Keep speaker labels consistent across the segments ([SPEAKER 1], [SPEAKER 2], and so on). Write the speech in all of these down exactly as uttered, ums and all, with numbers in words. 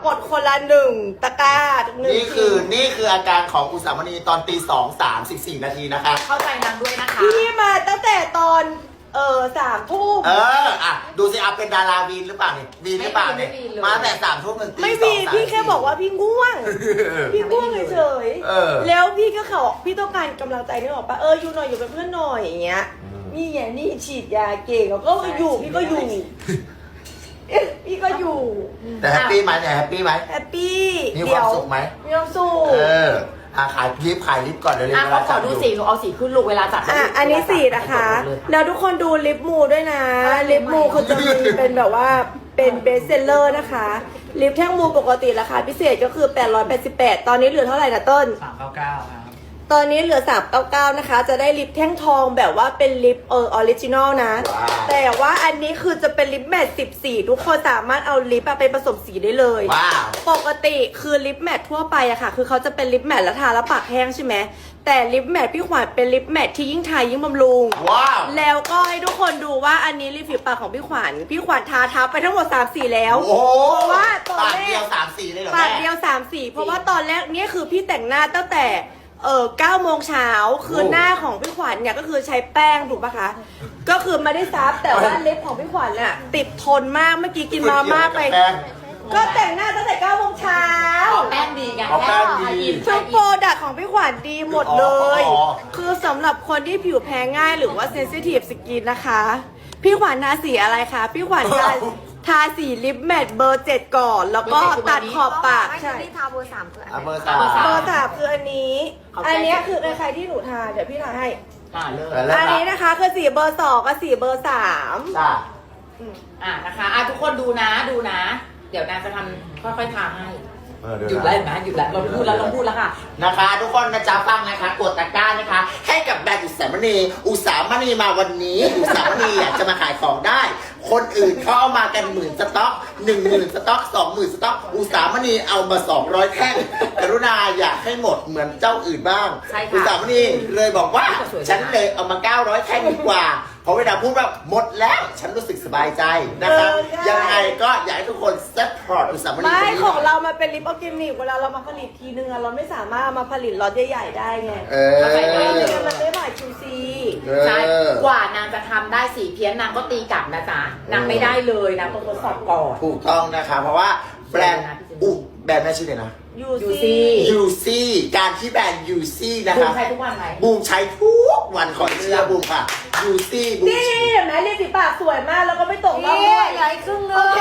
[SPEAKER 1] กดคนละหนึ่งตะกร้าหนึ่ง
[SPEAKER 2] นี่คือนี่คืออาการของอุสามณีตอนตีสองสามสิบสี่นาทีนะคะ
[SPEAKER 3] เข้าใจนางด้วยนะคะ
[SPEAKER 1] พี่มาตั้งแต่ตอนเออสามทุ่ม
[SPEAKER 2] เอออ่ะดูสิอาเป็นดาราวีนหรือเปล่าเนี่ยวีนหรือเปล่าเนี่ยมาแต่สามทุ่มถึงตีสอง
[SPEAKER 1] ไม่มีพี่แค่บอกว่าพี่ง่วง พี่ง่วงเฉย
[SPEAKER 2] เออ
[SPEAKER 1] ๆแล้วพี่ก็เขาพี่ต้องการกำลังใจนี่บอกปะเอออยู่หน่อยอยู่เป็นเพื่อนหน่อยอย่างเงี้ยนี่ไงนี่ฉีดยาเก่งแล้วก็อยู่พี่ก็อยู่เอ๊ะพี่ก็อยู่
[SPEAKER 2] แต่แฮปปี้ไหมเนี่ยแฮปปี้ไหม
[SPEAKER 1] แฮปปี้
[SPEAKER 2] มีความสุขไหม
[SPEAKER 1] มีความสุข
[SPEAKER 2] เอออ่ะขายลิฟต์ขายลิฟต์ก่อนเดี๋ยวเรีย
[SPEAKER 3] อ่ะ
[SPEAKER 2] นเว
[SPEAKER 3] เขา
[SPEAKER 2] ลา
[SPEAKER 3] ขอดูสีหนูเอาสีขึ้นลูกเวลาจัด
[SPEAKER 1] อ่ะอันนี้สีนะคะ แล้วทุกคนดูลิปมูด้วยนะ ลิปมูเขาจะมีเป็นแบบว่าเป็นเบสเซลเลอร์นะคะ ลิปแท่งมูปกติราคาพิเศษก็คือแปดร้อยแปดสิบแปดตอนนี้เหลือเท่าไหร่นะต้น
[SPEAKER 4] สามเก้าเก้าครับ
[SPEAKER 1] ตอนนี้เหลือสามร้อยเก้าสิบเก้านะคะ จะได้ลิปแท่งทองแบบว่าเป็นลิปเออออริจินอลนะ
[SPEAKER 2] ว้าว
[SPEAKER 1] แต่ว่าอันนี้คือจะเป็นลิปแมทสิบสี่ทุกคนสามารถเอาลิปอะไปผสมสีได้เลย
[SPEAKER 2] ว้าว
[SPEAKER 1] ปกติคือลิปแมททั่วไปอะค่ะ คือเขาจะเป็นลิปแมทแล้วทาแล้วปากแห้งใช่ไหม แต่ลิปแมทพี่ขวัญเป็นลิปแมทที่ยิ่งทายิ่งบำรุง
[SPEAKER 2] ว้าว
[SPEAKER 1] แล้วก็ให้ทุกคนดูว่าอันนี้ริมฝีปากของพี่ขวัญ พี่ขวัญทาทับไปทั้งหมดสามสีแล้ว
[SPEAKER 2] โอ้โห
[SPEAKER 1] เพราะว่าตอน
[SPEAKER 2] ปาก
[SPEAKER 1] แร
[SPEAKER 2] เดีย
[SPEAKER 1] ก
[SPEAKER 2] วสามสี่เลยเหรอ
[SPEAKER 1] ปาก
[SPEAKER 2] แม่
[SPEAKER 1] เดียวสามสีเพราะว่าตอนแรกเนี่ยคือพี่แต่งหน้าตั้งแต่เออเก้าโมงเช้าคือหน้าของพี่ขวัญเนี่ยก็คือใช้แป้งถูกปะคะ ก็คือไม่ได้ซับแต่ว่าเล็บของพี่ขวัญน่ะติดทนมากเมื่อกี้กินมาม่าไป
[SPEAKER 2] แป้ง
[SPEAKER 1] ก็แต่งหน้าตั้งแต่เก้าโมงเช้า
[SPEAKER 3] เอาแป้งดีไง
[SPEAKER 2] เอาแป้งดี
[SPEAKER 1] ทุกโปรดักต์ของพี่ขวัญดีหมดเลย
[SPEAKER 2] อ๋อ
[SPEAKER 1] คือสำหรับคนที่ผิวแพ้ง่ายหรือว่าเซนซิทีฟสกินนะคะ พี่ขวัญทาสีอะไรคะ พี่ขวัญทาทาสีลิปแมทเบอร์เจ็ดก่อน แล้วก็ตัดขอบปาก
[SPEAKER 5] ไม่
[SPEAKER 1] ใช่
[SPEAKER 5] ใช่ที่ทาเบอร์สามคือ
[SPEAKER 2] อ่ะ
[SPEAKER 5] อัน
[SPEAKER 2] เบอร์
[SPEAKER 5] ไหน
[SPEAKER 2] สาม
[SPEAKER 1] เบอร์สามคืออันนี้ อันเนี้ยคือใครๆที่หนูทาเดี๋ยวพี่ทาให้
[SPEAKER 3] อ่าเลย
[SPEAKER 2] เออแล้ว
[SPEAKER 1] อันนี้นะคะคือสีเบอร์สองกับสีเบอร์สาม
[SPEAKER 2] จ้า
[SPEAKER 3] อ่ะนะคะอ่ะทุกคนดูนะดูนะ เดี๋ยวนางจะทำค่อยๆทาให้
[SPEAKER 2] เออเดี๋ว
[SPEAKER 3] หยุดแล้วเห็นไหมหยุดแล้วเราพูดแล้วเราพูดแล้วค่ะ
[SPEAKER 2] นะคะทุกคนนะจ๊ะฟังนะคะกดตะกร้านะคะ ให้กับแบรนด์อุตสามณีอุตสามณีมาวันนี้ อุตสามณีอยากจะมาขายของได้ คนอื่นเขาเอามากันหมื่นสต็อกหนึ่งหมื่นสต็อกสองหมื่นสต็อกอุตสามณีเอามาสองร้อยแท่งกรุณาอยากให้หมดเหมือนเจ้าอื่นบ้าง
[SPEAKER 3] ใช่ค่ะ
[SPEAKER 2] อุตสามณีเลยบอกว่า
[SPEAKER 3] สวยๆ
[SPEAKER 2] ฉันเลยเอามาเก้าร้อยแท่งดีกว่าเพราะเวลาพูดว่าหมดแล้วฉันรู้สึกสบายใจนะคะยังไงก็อยากให้ทุกคนซัพพอร์ตอุตสามณี
[SPEAKER 1] ไม่
[SPEAKER 2] คนนี้
[SPEAKER 1] ของเรามาเป็นลิปออร์แกนิกเวลาเรามาผลิตทีนึงอะเราไม่สามารถเอามาผลิตล็อตใหญ่ๆได้ไง
[SPEAKER 2] เอ
[SPEAKER 3] เข้าใจไหม
[SPEAKER 1] ไม่
[SPEAKER 2] อ
[SPEAKER 1] งั้นมันไม่ผ่าน คิว ซี
[SPEAKER 3] ใช่กว่านางจะทำได้สีเพี้ยนนางก็ตีกลับนะจ๊ะนางไม่ได้เลยนางต้องทดสอบก่อน
[SPEAKER 2] ถูกต้องนะคะเพราะว่าแบรนด์อุแบรนด์แม่ชื่อเลยนะ
[SPEAKER 1] ยู
[SPEAKER 3] ยู
[SPEAKER 1] ซี
[SPEAKER 3] ซี่
[SPEAKER 2] ยูซี่การที่แบรนด์ยูซี่นะ
[SPEAKER 3] บูม
[SPEAKER 2] คะ
[SPEAKER 3] ใช้ทุกวันไหม
[SPEAKER 2] บูมใช้ทุกวันขอเชื่อบูมค่ะยูซี่บูม
[SPEAKER 1] นี่เห็นไหมลิปสีปากสวยมากแล้วก็ไม่ตกรอบ
[SPEAKER 5] นี่
[SPEAKER 1] ด้วย
[SPEAKER 5] ใหญ่ครึ่งนึ
[SPEAKER 1] โอง เค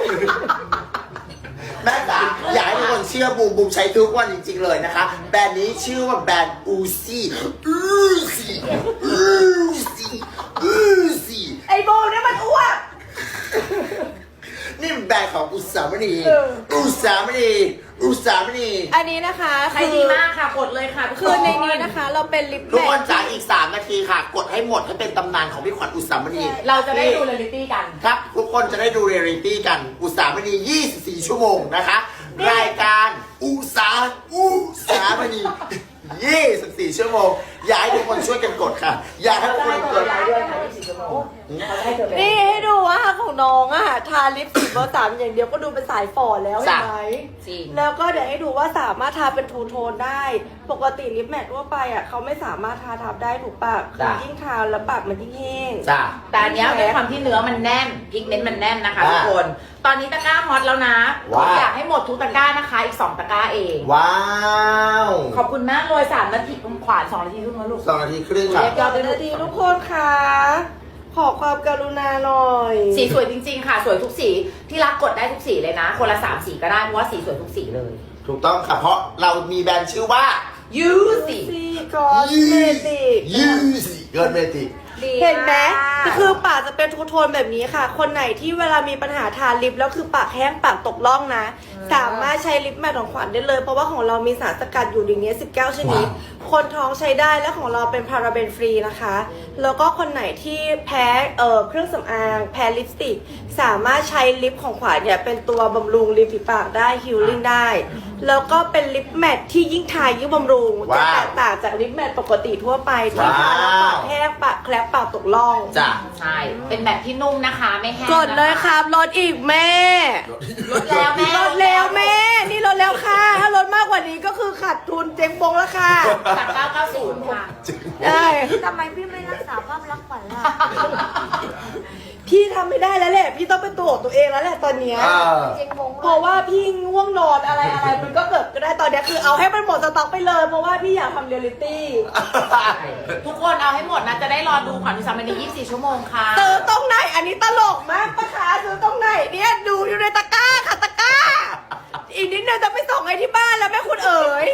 [SPEAKER 2] แม่จ๋าอยากให้ทุกคนเชื่อบูมบูมใช้ทุกวันจริงๆเลยนะคะ แบรนด์นี้ชื่อว่าแบรนด์อูซี่อูซี่อูซี่อูซี่
[SPEAKER 1] ไอโบเนี่ยมันอ้วก
[SPEAKER 2] นี่เป็นแบรนด์ของอุตสามณี
[SPEAKER 1] เออ
[SPEAKER 2] อุตสามณีอุตสามณี
[SPEAKER 1] อันนี้นะคะ
[SPEAKER 3] ใช้ดีมากค่ะกดเลยค่ะทุก
[SPEAKER 1] คือในนี้นะคะ เราเป็นลิป
[SPEAKER 2] ทุก
[SPEAKER 1] แม
[SPEAKER 2] คน
[SPEAKER 1] ท
[SPEAKER 2] จ๋าอีกสามนาทีค่ะ กดให้หมดให้เป็นตำนานของพี่ขวัญอุตสามณี
[SPEAKER 3] เราจะได้ดูเรียลลิตี้กัน
[SPEAKER 2] ครับ ทุกคนจะได้ดูเรียลลิตี้กัน อุตสามณียี่สิบสี่ชั่วโมงนะคะ รายการอุตสาอุสามณียี่สิบสี่ชั่วโมง อยากให้ทุกคนช่วยกันกดค่ะ อยากให้ทุกคนกด
[SPEAKER 3] ด้วยค่ะยี่สิบชั่วโมงเขาจะให้เธอเป็น
[SPEAKER 1] นี่ให้ดูว่าของน้องอะทาลิปสีเบอร์สามอย่างเดียวก็ดูเป็นสายฝ่อแล้วเห็นไหม
[SPEAKER 3] จริง
[SPEAKER 1] แล้วก็เดี๋ยวให้ดูว่าสามารถทาเป็นทูโทนได้ ปกติลิปแมททั่วไปอะเขาไม่สามารถทาทับได้ถูกปะคือ
[SPEAKER 2] จ้ะ
[SPEAKER 1] ยิ่งทาแล้วปากมันยิ่งแห้ง
[SPEAKER 2] จ้า
[SPEAKER 3] แต่อันเนี้ยด้วยความที่เนื้อมันแน่นพิกเมนต์มันแน่นนะคะ
[SPEAKER 2] อ่า
[SPEAKER 3] ทุกคน ตอนนี้ตะกร้าฮอตแล้วนะ
[SPEAKER 2] ว้าว
[SPEAKER 3] อยากให้หมดทุกตะกร้านะคะ อีกสองตะกร้าเอง
[SPEAKER 2] ว้าว
[SPEAKER 3] ขอบคุณมากเลยสามนาทีขวานสองนาทีครึ่งแล้วลูก
[SPEAKER 2] สองนาทีครึ่งค่ะ
[SPEAKER 3] เรียบ
[SPEAKER 1] ยอดเลยดีทุกคนค่ะ ขอความกรุณาหน่อย
[SPEAKER 3] สีสวยจริงๆค่ะ สวยทุกสีที่รักกดได้ทุกสีเลยนะ คนละสามสีก็ได้เพราะว่าสีสวยทุกสีเลย
[SPEAKER 2] ถูกต้องค่ะ เพราะเรามีแบรนด์ชื่อว่า
[SPEAKER 3] ยูสี
[SPEAKER 1] ซีกอสเมติก
[SPEAKER 2] ยูซี่เกินเมติก
[SPEAKER 5] ดี
[SPEAKER 1] เห็นไหม
[SPEAKER 5] าก
[SPEAKER 1] คือปากจะเป็นทูโทนแบบนี้ค่ะ คนไหนที่เวลามีปัญหาทาลิปแล้วคือปากแห้งปากตกร่องนะ สามารถใช้ลิปแมทของขวัญได้เลย เพราะว่าของเรามีสารสกัดอยู่ในนี้สิบเก้าชนิด คนท้องใช้ได้และของเราเป็นพาราเบนฟรีนะคะ แล้วก็คนไหนที่แพ้เอ่อเครื่องสำอางแพ้ลิปสติก สามารถใช้ลิปของขวัญเนี่ยเป็นตัวบำรุงริมฝีปากได้ฮิลลิ่งได้ แล้วก็เป็นลิปแมทที่ยิ่งทายิ่งบำรุงจะ
[SPEAKER 2] ว้าว
[SPEAKER 1] แตกต่างจากลิปแมทปกติทั่วไปที่ทาแล้วปากแห้งปากแคลบปากตกร่อง
[SPEAKER 2] จ้า
[SPEAKER 3] ใช่ เป็นแบบที่นุ่มนะคะไม่แห้ง
[SPEAKER 1] กดเลยครับลดอีกแม่
[SPEAKER 3] ลดแล้วแม่
[SPEAKER 1] ลดแล้วแม่ขาดทุนเจ๊งบงแล้วค่ะ
[SPEAKER 3] จากเก้าเก้าศูนย์ค่ะ
[SPEAKER 1] ได้
[SPEAKER 4] ทำไมพี่ไม่รักษาภาพลักษณ์ขวัญล่ะ
[SPEAKER 1] พี่ทำไม่ได้แล้วแหละพี่ต้องเป็นตัวของตัวเองแล้วแหละตอนเนี้ย
[SPEAKER 2] เออ
[SPEAKER 4] เจ๊งบง
[SPEAKER 1] เพราะว่าพี่ง่วงนอนอะไรอะไรมันก็เกิดก็ได้ตอนเนี้ยคือเอาให้มันหมดสต็อกไปเลยเพราะว่าพี่อยากทำเรียลลิตี้
[SPEAKER 3] ทุกคนเอาให้หมดนะ จะได้รอดูขวัญอุสามณียี่สิบสี่ชั่วโมงค่ะ
[SPEAKER 1] ซื้อตรงไหนอันนี้ตลกมากปะคะซื้อตรงไหนเนี่ยดูอยู่ในตะกร้าค่ะตะกร้า อีกนิดนึงจะไปส่งให้ที่บ้านแล้วแม่คุณเอ๋ย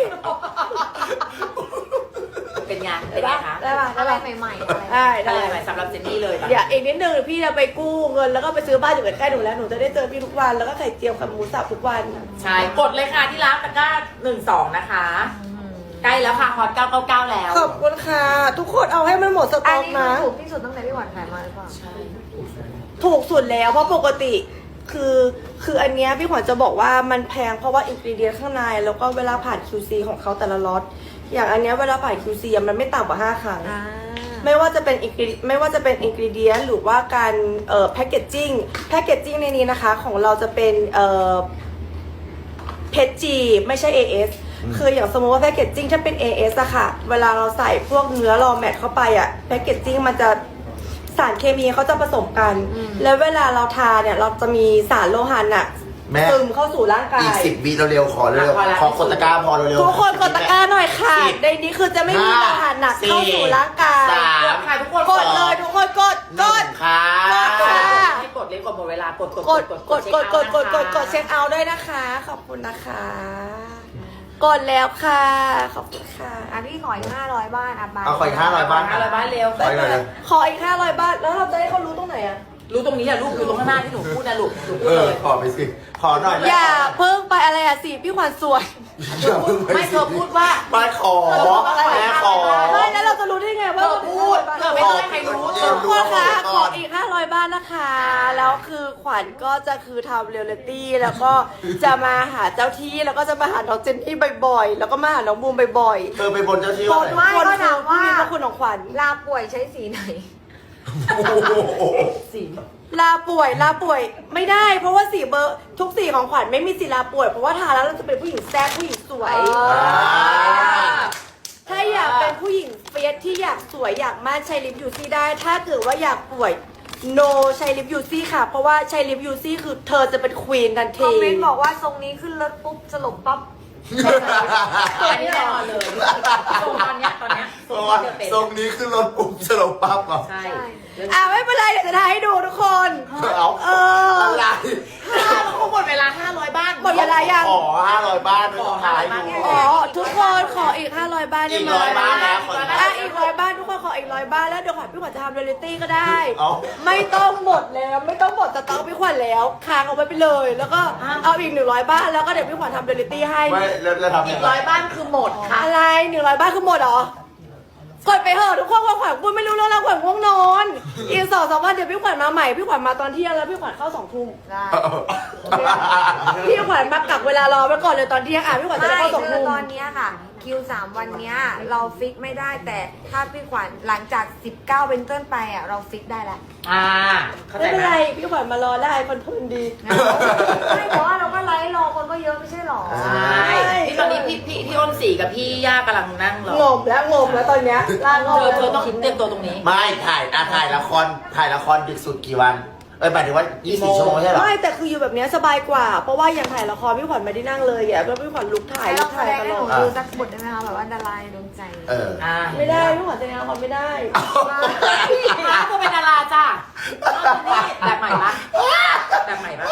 [SPEAKER 3] เป็นไงเป็นไงคะ
[SPEAKER 1] ได้ป่ะได้
[SPEAKER 4] อะไร
[SPEAKER 1] ป่ะ
[SPEAKER 4] ใหม่ๆอะไร
[SPEAKER 1] ได้
[SPEAKER 3] ได้
[SPEAKER 1] ได้
[SPEAKER 3] ไหมสำหรับเจนนี่เลยตอน
[SPEAKER 1] เดี๋
[SPEAKER 3] นี้
[SPEAKER 1] ยวอีกนิดนึงพี่จะไปกู้เงินแล้วก็ไปซื้อบ้านอยู่ใกล้ๆหนูแล้วหนูจะได้เจอพี่ทุกวันแล้วก็ไข่เจียวกับหมูสับทุกวัน
[SPEAKER 3] ใช่กดเลยค่ะที่ร้านตะกร้าหนึ่งสองนะคะ ใกล้แล้วค่ะฮอตเก้าเก้าเก้าแล้ว
[SPEAKER 1] ขอบคุณค่ะ ทุกคนเอาให้มันหมดส
[SPEAKER 4] อั
[SPEAKER 1] ต็
[SPEAKER 4] น
[SPEAKER 1] อก
[SPEAKER 4] นี้
[SPEAKER 1] นะ
[SPEAKER 4] คือถูกที่สุดตั้งแต่พี่หวานขายมาหรือเปล่า
[SPEAKER 3] ใช่
[SPEAKER 1] ถูกสุดแล้วเพราะปกติคือคืออันเนี้ยพี่ขวัญจะบอกว่ามันแพงเพราะว่าอินกรีเดียนข้างในแล้วก็เวลาผ่าน คิว ซี ของเขาแต่ละล็อตอย่างอันเนี้ยเวลาผ่าน คิว ซี อะมันไม่ต่ำกว่าห้าครั้ง
[SPEAKER 4] อ่า
[SPEAKER 1] ไม่ว่าจะเป็นอินกรีไม่ว่าจะเป็นอินกรีเดียนหรือว่าการเอ่อแพคเกจจิ้งแพคเกจจิ้งในนี้นะคะของเราจะเป็นเอ่อเพจจีไม่ใช่ เอ เอส คืออย่างสมมติว่าแพคเกจจิ้งถ้าเป็น เอ เอส อะค่ะ เวลาเราใส่พวกเนื้อรอแมทเข้าไปอะแพคเกจจิ้งมันจะสารเคมีเขาจะผสมกัน แล้วเวลาเราทาเนี่ยเราจะมีสารโลหะหนัก
[SPEAKER 2] แม่
[SPEAKER 1] ซึมเข้าสู่ร่างกา
[SPEAKER 2] อีก
[SPEAKER 1] ย
[SPEAKER 2] สิบวิเร็วๆขอเร็วๆขอกดตะกร้าพอเร็วๆ
[SPEAKER 1] ทุกคนกดตะกร้าหน่อยค่ะ
[SPEAKER 2] สิบ
[SPEAKER 1] ในนี้คือจะไม่มีโลหะหนักเข้าสู่ร่างกาย
[SPEAKER 2] สาก ม
[SPEAKER 3] ดค่ะทุกคน
[SPEAKER 1] กดเลยทุกคนกด
[SPEAKER 2] ห
[SPEAKER 1] ก
[SPEAKER 2] นึ่
[SPEAKER 1] ด
[SPEAKER 2] งค่ะ
[SPEAKER 1] กดค่ะ
[SPEAKER 3] ให้กดเลยกดหมดเวลากดกด
[SPEAKER 1] กดกดกดกดกดกดกด
[SPEAKER 3] เช็
[SPEAKER 1] เช็คเอาท์ด้วยนะคะ ขอบคุณนะคะ กดแล้วค่ะ ขอบคุณค่ะ
[SPEAKER 4] อ่ะพี่ขออีกห้าร้อยบ้านอ่ะบ้าน
[SPEAKER 2] เอาขออีกห้าร้อยบ้าน
[SPEAKER 3] ห้าร้อยบ้านเร็ว
[SPEAKER 2] ขออีกหน่อยเลย
[SPEAKER 1] ขออีกห้าร้อยบาทแล้วเราจะให้เขารู้ตรงไหนอะ
[SPEAKER 3] รู้ตรงนี้อะลูกอยู่ตรงข้างหน้าที่หนูพูดนะลูกหนูพู
[SPEAKER 2] เอ
[SPEAKER 3] ด
[SPEAKER 2] อ
[SPEAKER 3] เลย
[SPEAKER 2] ขอไปสิ ขอหน่อย
[SPEAKER 1] อย่าเพิ่งไปอะไรอะสิพี่ขวัญสวย
[SPEAKER 2] อย่าเพิ่งป
[SPEAKER 3] ไม่เธอพูดว่า
[SPEAKER 2] ไม่ขอแม่ขอ
[SPEAKER 1] ไม่แล้วเราจะรู้ได้ไงว่า
[SPEAKER 3] เธอพูดเธอไม่ได้ใครรู้
[SPEAKER 2] เอ
[SPEAKER 3] เธ
[SPEAKER 2] อ
[SPEAKER 3] อ
[SPEAKER 1] ทุก
[SPEAKER 3] พู
[SPEAKER 1] ค
[SPEAKER 3] ด
[SPEAKER 1] นคะ
[SPEAKER 2] ก่
[SPEAKER 1] ข
[SPEAKER 2] อ
[SPEAKER 1] อน อีกห้าร้อยบาทนะคะ แล้วคือขวัญก็จะคือทำเรียลลิตี้แล้วก็จะมาหาเจ้าที่แล้วก็จะมาหาน้องเจนนี่บ่อยๆ แล้วก็มาหาน้องบูมบ่อย
[SPEAKER 2] เธอไปบนเจ้าที่
[SPEAKER 1] ๆ
[SPEAKER 2] ว่าไหน
[SPEAKER 1] ทุกคนคือผู้มีพระคุณของขวัญ
[SPEAKER 4] ลาป่วยใช้สีไหน
[SPEAKER 2] โอ้โห
[SPEAKER 3] สี
[SPEAKER 1] ลาป่วยลาป่วยไม่ได้ เพราะว่าสีเบอร์ทุกสีของขวัญไม่มีสีลาป่วยเพราะว่าทาแล้วเราจะเป็นผู้หญิงแซ่บผู้หญิงสวย
[SPEAKER 2] อ่า
[SPEAKER 1] ถ้าอยากเป็นผู้หญิงเฟียสที่อยากสวยอยากมั่นใช้ลิปยูซี่ได้ ถ้าเกิดว่าอยากป่วย no ใช้ลิปยูซี่ค่ะ เพราะว่าใช้ลิปยูซี่คือเธอจะเป็นควีนทัน
[SPEAKER 4] คอ
[SPEAKER 1] ที
[SPEAKER 4] มเมนต์บอกว่าทรงนี้ขึ้นรถปุ๊บสลบปั๊บ
[SPEAKER 3] อันนี้แน่นอนเลยตรงตอนเนี้ยตอนเนี้ย
[SPEAKER 2] ทรง
[SPEAKER 3] เธอเป็น
[SPEAKER 2] ทรงนี้ขึ้นรถปุ๊บสลบปั๊บเหรอ
[SPEAKER 3] ใช่
[SPEAKER 1] อ่าไม่เป็นไรเดี๋ยวจะทายให้ดูทุกคน
[SPEAKER 2] เอา
[SPEAKER 1] เออ
[SPEAKER 2] อะไร
[SPEAKER 3] ห้าเราหมดเวลาห้าร้อยบ้าน
[SPEAKER 1] หมดเวลายัง
[SPEAKER 2] ขอห้าร้อยบ้านไม่ต้องขายดู
[SPEAKER 1] อ๋อทุกคนขออีกห้าร้อยบ้านได้
[SPEAKER 2] อีก
[SPEAKER 1] ไหม
[SPEAKER 2] ร้อยบ้านแล้วขอ
[SPEAKER 1] อ่ะอีกร้อยบ้านทุกคนขออีกร้อยบ้านแล้วเดี๋ยวขวัญพี่ขวัญจะทำเรียลลิตี้ก็ได้
[SPEAKER 2] เอา
[SPEAKER 1] ไม่ต้องหมดแล้วไม่ต้องหมดสต็อกพี่ขวัญแล้วค้างเอาไว้ไปเลย แล้วก็เอาอีกหนึ่งร้อยบ้านแล้วก็เดี๋ยวพี่ขวัญทำเรียลลิตี้ให้
[SPEAKER 2] ไม่แล้วแล้วทำ
[SPEAKER 3] อี
[SPEAKER 2] ยั
[SPEAKER 3] ก
[SPEAKER 2] งไง
[SPEAKER 3] ร้อยบ้านคือหมดค่ะ
[SPEAKER 1] อะไรหนึ่งร้อยบ้านคือหมดเหรอกดไปเถอะทุกคนขวัญพูดไม่รู้เรื่องแล้วขวัญง่วงนอนอีกสองสามวันเดี๋ยวพี่ขวัญมาใหม่พี่ขวัญมาตอนเที่ยงแล้วพี่ขวัญเข้าสองทุ่ม
[SPEAKER 4] ได้
[SPEAKER 1] พี่ขวัญมากักเวลารอไว้ก่อนเลยตอนเที่ยงอ่ะพี่ขวัญจะ
[SPEAKER 4] ไม่
[SPEAKER 1] ได้เข้าสอง
[SPEAKER 4] คือ
[SPEAKER 1] ทุ่ม
[SPEAKER 4] ตอนเนี้ยค่ะ คิวสามวันเนี้ยเราฟิกไม่ได้แต่ถ้าพี่ขวัญหลังจากสิบเก้าเป็นต้นไปอ่ะเราฟิกได้แล้ว
[SPEAKER 3] อ่าเข้าใจ
[SPEAKER 1] ไม่เป็น
[SPEAKER 3] ไหม
[SPEAKER 1] ไรพี่ขวัญมารอได้คนทุนดี
[SPEAKER 4] ไม่แต่ว่าเราก็ไลฟ์รอคนก็เยอะไม่ใช่หรอ
[SPEAKER 3] ใช่ที่ตอนนี้พี่พี่พี่อ้นสีกับพี่ย่ากำลังนั่งรอง
[SPEAKER 1] มแล้วงมแล้วตอนเนี้ยลางง
[SPEAKER 3] เธอเธอต้องเตรียมตัวตรงนี้
[SPEAKER 2] ไม่ถ่ายอ่ะถ่ายละครถ่ายละครดึกสุดกี่วัน เอ้ยหมายถึงว่ายี่สิบสี่ชั่วโมงใช่เหรอ
[SPEAKER 1] ไม่แต่คืออยู่แบบเนี้ยสบายกว่า เพราะว่าอย่างถ่ายละครพี่ขวัญไม่ได้นั่งเลยอ่ะแล้วพี่ขวัญลุกถ่าย
[SPEAKER 4] ให้
[SPEAKER 1] ลุ
[SPEAKER 4] เรา
[SPEAKER 1] ก
[SPEAKER 4] แส
[SPEAKER 1] ถ่าย
[SPEAKER 4] ดง
[SPEAKER 1] ต
[SPEAKER 4] ให้
[SPEAKER 1] ล
[SPEAKER 4] ห
[SPEAKER 1] อ
[SPEAKER 4] นู
[SPEAKER 1] ด
[SPEAKER 4] ดูสักบทได้ไหมคะแบบว่าดารายดวงใจ
[SPEAKER 2] เออ
[SPEAKER 3] อ่า
[SPEAKER 1] ไม่ได้พี่ขวัญแสดงละครไม่ได้
[SPEAKER 3] พี่เธอเป็นดาราจ้ะแบบใหม่ปะแบบใหม่ปะ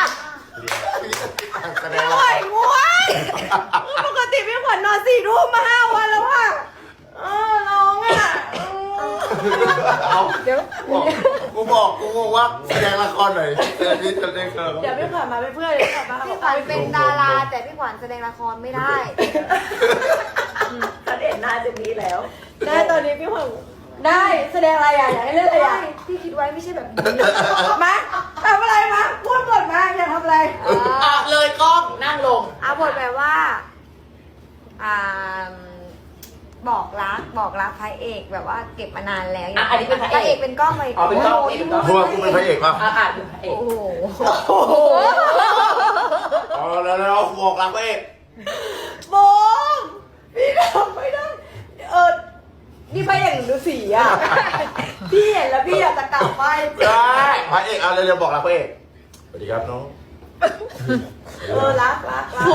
[SPEAKER 2] แสด
[SPEAKER 1] ไม่
[SPEAKER 2] ง
[SPEAKER 1] ไหว
[SPEAKER 2] ว่า
[SPEAKER 1] ง่วงปกติพี่ขวัญนอนสี่ทุ่มมาห้าวันแล้วอ่ะเออน้องอ่ะ
[SPEAKER 2] เอา
[SPEAKER 4] เดี๋ยว
[SPEAKER 2] บอกกูบอกกูบอกว่าแสดงละครหน่อยเดี๋ยวนี้จะได้เคย
[SPEAKER 1] เดี๋ยวพี่ขวัญมาเป็นเพื่อนเดี๋ยวพี่ขวัญมา
[SPEAKER 4] พี่ขวัญเป็นดาราแต่พี่ขวัญแสดงละครไม่ได้
[SPEAKER 1] ฉันเห็นหน้าเจนนี้แล้วได้ตอนนี้พี่ขวัญได้แสดงอะไรอ่ะอยากให้เล่นอะไรอ่ะ
[SPEAKER 4] ที่คิดไว้ไม่ใช่แบบนี้
[SPEAKER 1] มาทำอะไรมาพูดก่อนมาอยากทำอะไร
[SPEAKER 4] เออ
[SPEAKER 3] อ่ะเลยกล้องนั่งลง
[SPEAKER 4] เอาบทแบบว่า อ่า บอกรักบอกรักพระเอกแบบว่าเก็บมานานแล้ว
[SPEAKER 3] อ่ะอันนี้เป็นพระเอก
[SPEAKER 4] พระเอกเป็นกล้องไป
[SPEAKER 3] อ๋อเป็นกล้อง
[SPEAKER 4] โโห
[SPEAKER 3] นี่เป็นกล้อง
[SPEAKER 2] เพราะว่ากูเป็นพระเอกป่ะ
[SPEAKER 3] อ่ะอ่ะดูเอก
[SPEAKER 4] โอ้โห
[SPEAKER 1] โอ้โห
[SPEAKER 2] อ๋อแล้วแล้วบอกรักพระเอก
[SPEAKER 1] โบงนี่ไปอย่างดูสีอ่ะ พี่เห็นแล้วพี่อยากจะกลับไป
[SPEAKER 2] ได้พระเอกเอาเร็วๆบอกรักพระเอกสวัสดีครับน้อง
[SPEAKER 1] เออรักรักรัก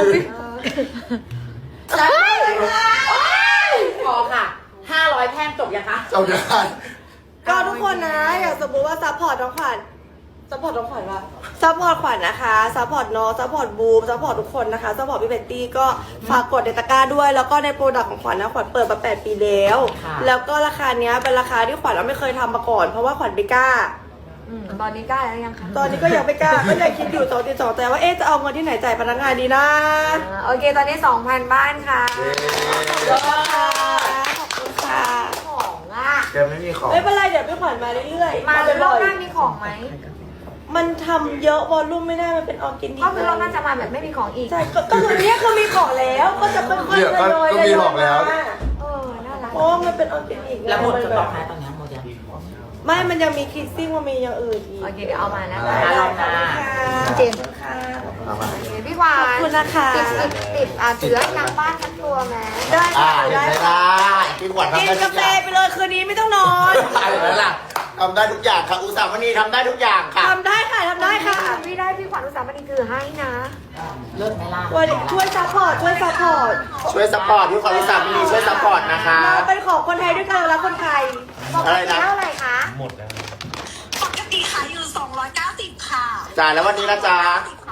[SPEAKER 3] จัดให้เลยค่ะพอค่ะห้าร้อยแท่งจบยังคะ
[SPEAKER 2] เจ้าเดือน
[SPEAKER 1] ก็ทุกคนนะ อย่างสมมติว่าซัพพอร์ตน้องขวัญซัพพอร์ตน้องขวัญว่าซัพพอร์ตขวัญนะคะซัพพอร์ตน้องซัพพอร์ตบูมซัพพอร์ตทุกคนนะคะซัพพอร์ตพี่เบตตี้ก็ฝากกดในตะกร้าด้วย แล้วก็ในโปรดักต์ของขวัญนะขวัญเปิดมาแปดปีแล้ว แล้วก็ราคาเนี้ยเป็นราคาที่ขวัญเราไม่เคยทำมาก่อนเพราะว่าขวัญไม่กล้า
[SPEAKER 4] อืมตอนนี้กล้าแล้วยังคะ
[SPEAKER 1] ตอนนี้ก็ยังไม่กล้าก็เลยคิดอยู่สองตีสองแต่ว่าเอ๊ะจะเอาเงินที่ไหนจ่ายพนักงานดีนะ
[SPEAKER 4] อ่าโอเค ตอนนี้ สองพัน บ้านค่ะ
[SPEAKER 1] ขอบคุณค่ะขอบคุณค่ะ
[SPEAKER 4] ของอ่ะ
[SPEAKER 2] แกไม่มีของ
[SPEAKER 1] ไม่เป็นไรเดี๋ยวพี่ขวัญมาเรื่อยๆ
[SPEAKER 4] มา
[SPEAKER 1] ไป
[SPEAKER 4] ร
[SPEAKER 1] บ่
[SPEAKER 4] อบ
[SPEAKER 1] อย
[SPEAKER 4] หน้ามีของไหม
[SPEAKER 1] มันทำเยอะวอลลุ่มไม่ได้มันเป็นออร์แกนิก
[SPEAKER 4] ก็คือรอบหน้าจะมาแบบไม่มีของอีก
[SPEAKER 1] ใช่ก็ก็คือเนี้ยคือมีของแล้วก็จะค่อยๆทยอยทยอยมา
[SPEAKER 4] เออ น่ารัก
[SPEAKER 1] เพราะว่ามันเป็นออร์แกนิก
[SPEAKER 3] แล้วหมด
[SPEAKER 1] น
[SPEAKER 3] จะ
[SPEAKER 1] แบบ
[SPEAKER 3] บอกให้ตอนนี้หมดยัง
[SPEAKER 1] ไม่มันยังมีคิดซิ่งมันมีอย่างอื่นอีก
[SPEAKER 4] โอเค เดี๋ยวเอามานะ
[SPEAKER 1] ได้
[SPEAKER 4] คะ
[SPEAKER 1] ได้ขอบคุณค่ะ
[SPEAKER 4] เจน
[SPEAKER 1] ขอบคุณค่ะ
[SPEAKER 2] เอามา
[SPEAKER 4] โอเคพี่หวา
[SPEAKER 1] ขอบ
[SPEAKER 4] น
[SPEAKER 1] คุณนะคะ
[SPEAKER 4] ติดติดติดอ่ะเสือทางบ้านทั้งตัวไหม
[SPEAKER 1] ได้
[SPEAKER 2] อ่า
[SPEAKER 1] ค่ะ
[SPEAKER 2] เห็น
[SPEAKER 1] ได้
[SPEAKER 2] ไหม
[SPEAKER 1] ค่ะ
[SPEAKER 2] ล่ะพี่ขวัญ
[SPEAKER 1] กิ
[SPEAKER 2] ทำ
[SPEAKER 1] น
[SPEAKER 2] ได้ทุ
[SPEAKER 1] กาก แฟ
[SPEAKER 2] อย่าง
[SPEAKER 1] ไปเลยคืนนี้ไม่ต้องนอน
[SPEAKER 2] เห็นไหมล่ะทำได้ทุกอย่างค่ะ อุตสาหมณีทำได้ทุกอย่างค่ะ
[SPEAKER 1] ทำได้ค่ะทำได้ค่ะ
[SPEAKER 4] พี่ได้พี่ขวัญอุตสาหมณีถือให้นะ
[SPEAKER 3] เลิศไหมล่ะ
[SPEAKER 1] วันนี้ช่วยซัพพอร์ตช่วยซัพพอร์ต
[SPEAKER 2] ช่วยซัพพอร์ตพี่ขวัญอุตสาหมณีช่วยซัพพอร์ตนะคะ
[SPEAKER 1] เราเป็นของคนไทยด้วยกันรักคนไทย
[SPEAKER 2] อะไรนะ
[SPEAKER 4] เท่าไหร่คะ
[SPEAKER 5] ปกติขายอยู่ สองร้อยเก้าสิบ ค่ะ
[SPEAKER 2] จ่ายแล้ววันนี้นะจ๊ะ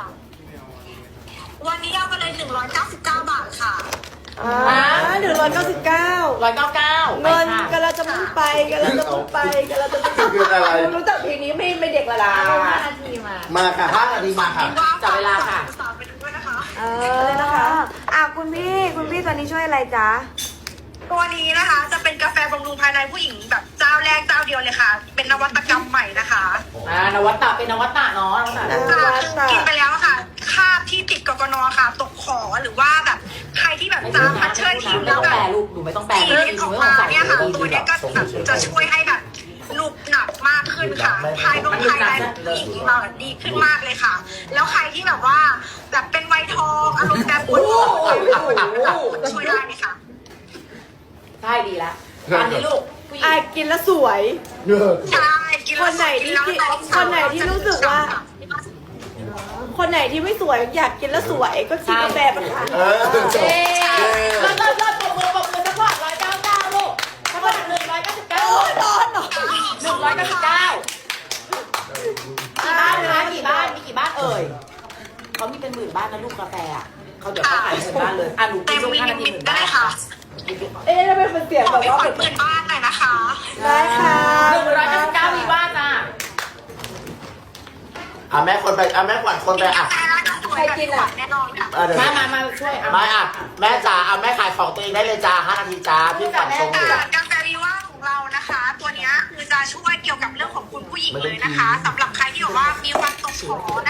[SPEAKER 5] วันนี้เอาไปเลย หนึ่งร้อยเก้าสิบเก้า บาทค่ะ
[SPEAKER 1] อ่าหนึ่งร้อยเก้าสิบเก้า
[SPEAKER 3] ร้อยเก้าเก้า
[SPEAKER 1] เงินกันเราจะมุ่งไปกันเราจะมุ่งไปกันเราจะมุ่ง
[SPEAKER 2] คืออะไร
[SPEAKER 1] รู้จักเพลงนี้ไม่ไม่เด็กละล่ะ
[SPEAKER 4] เอาห้านาทีมา
[SPEAKER 2] มาค่ะห้านาทีมาค่ะ
[SPEAKER 3] จับเวลาค่ะ
[SPEAKER 5] สาวไปดูด้วยนะคะ
[SPEAKER 4] เออนะคะอ่ะคุณพี่ คุณพี่ตัวนี้ช่วยอะไรจ๊ะ
[SPEAKER 5] ตัวนี้นะคะจะเป็นกาแฟบำรุงภายในผู้หญิงแบบเจ้าแรกเจ้าเดียวเลยค่ะ เป็นนวัตกรรมใหม่นะคะ
[SPEAKER 3] อ่านวัตตะเป็นนวัตตะเนาะนวัตตะ
[SPEAKER 5] คือกินไปแล้วอะค่ะคราบที่ติดกกนค่ะ ตกขอหรือว่าแบบใครที่แบบ
[SPEAKER 3] ไม่
[SPEAKER 5] จา
[SPEAKER 3] ต้อง
[SPEAKER 5] พัดเชิญทิ้ง
[SPEAKER 3] ไม่
[SPEAKER 5] แล้
[SPEAKER 3] ต้
[SPEAKER 5] ว
[SPEAKER 3] อง
[SPEAKER 5] แบ
[SPEAKER 3] แปล
[SPEAKER 5] บ
[SPEAKER 3] รูปหนูไม่ต้องแปล
[SPEAKER 5] สี
[SPEAKER 3] เลย
[SPEAKER 5] เล็ดออก
[SPEAKER 3] ไม่
[SPEAKER 5] มา
[SPEAKER 3] ต้องใส่
[SPEAKER 5] เนี่ยค่ะ
[SPEAKER 3] ดี
[SPEAKER 5] ตัว
[SPEAKER 3] ดี
[SPEAKER 5] เนี้ยก็แบบจะช่วยให้แบบหนุบหนับมากขึ้นค่ะ ภายในภายในผู้หญิงเราแบบดีขึ้นมากเลยค่ะ แล้วใครที่แบบว่าแบบเป็นไวท์ทองอารมณ์แบบปวดหัวช่วยได้เลยค่ะ
[SPEAKER 3] ใช่ดีแล้วอันนี้ลูกผู้หญิ
[SPEAKER 1] อาง ยกินแล้วสวย
[SPEAKER 5] ใช่กิแล้ว
[SPEAKER 1] คนไหนที่
[SPEAKER 5] แล้วอง
[SPEAKER 1] คนไหนที่รู้สึกว่า คนไหนที่ไม่สวยอยากกินแล้วสวยก็กินกาแฟมันค่ะ
[SPEAKER 2] เออ
[SPEAKER 3] เอ๊ะเลิศเลิศเลิศปรบมือปรบมือสักพอร้อยเก้าเก้าลูกสักพอหนึ่งร้อยเก้าสิบเก้า
[SPEAKER 1] โอ้ยร้อนเหรอ
[SPEAKER 3] หนึ่งร้อยเก้าสิบเก้ากี่บ้านนะคะกี่บ้านมีกี่บ้านเอ่ยเขามีเป็นหมื่นบ้านนะลูกกาแฟอ่ะเขาเดี๋ยวเขาขายหมื่นบ้านเลยอ่ะหนู
[SPEAKER 5] เต็
[SPEAKER 3] กิน
[SPEAKER 5] ม
[SPEAKER 3] ช่วง
[SPEAKER 5] มิ
[SPEAKER 3] ห้า
[SPEAKER 5] นิ
[SPEAKER 3] นาที
[SPEAKER 5] มิ
[SPEAKER 3] ห
[SPEAKER 5] ต
[SPEAKER 3] มื่น
[SPEAKER 5] ได้
[SPEAKER 3] บ้าน
[SPEAKER 5] ค่ะ
[SPEAKER 1] เอ๊ะทำไมเป็นเสียง
[SPEAKER 5] ข
[SPEAKER 1] แบ
[SPEAKER 5] อบ ไป
[SPEAKER 1] ว่า
[SPEAKER 5] ขอเปิดบ้านหน่อยนะคะ
[SPEAKER 1] ได้ค่ะ
[SPEAKER 3] หนึ่งร้อยเก้าสิบเก้ามีบ้านจ้า
[SPEAKER 2] อ่ะแม่คนไปอ่ะแม่ขวัญคนไปอ่ะ
[SPEAKER 5] แต่ละสวยแบบแน่นอนค่ะ
[SPEAKER 2] อ่ะเดี๋ยว
[SPEAKER 3] มามามาช่วยอ่ะ
[SPEAKER 2] ไม่อ่ะแม่จ๋าเอาแม่ขายของตัวเองได้เลยจ้าห้านาทีจ้าพี่ขวัญชงอยู่
[SPEAKER 5] กาแฟวีว่าของเรานะคะ ตัวเนี้ยคือจะช่วยเกี่ยวกับเรื่องของคุณผู้หญิงเลยนะคะสำหรับใครที่บอกว่ามีความตกขอ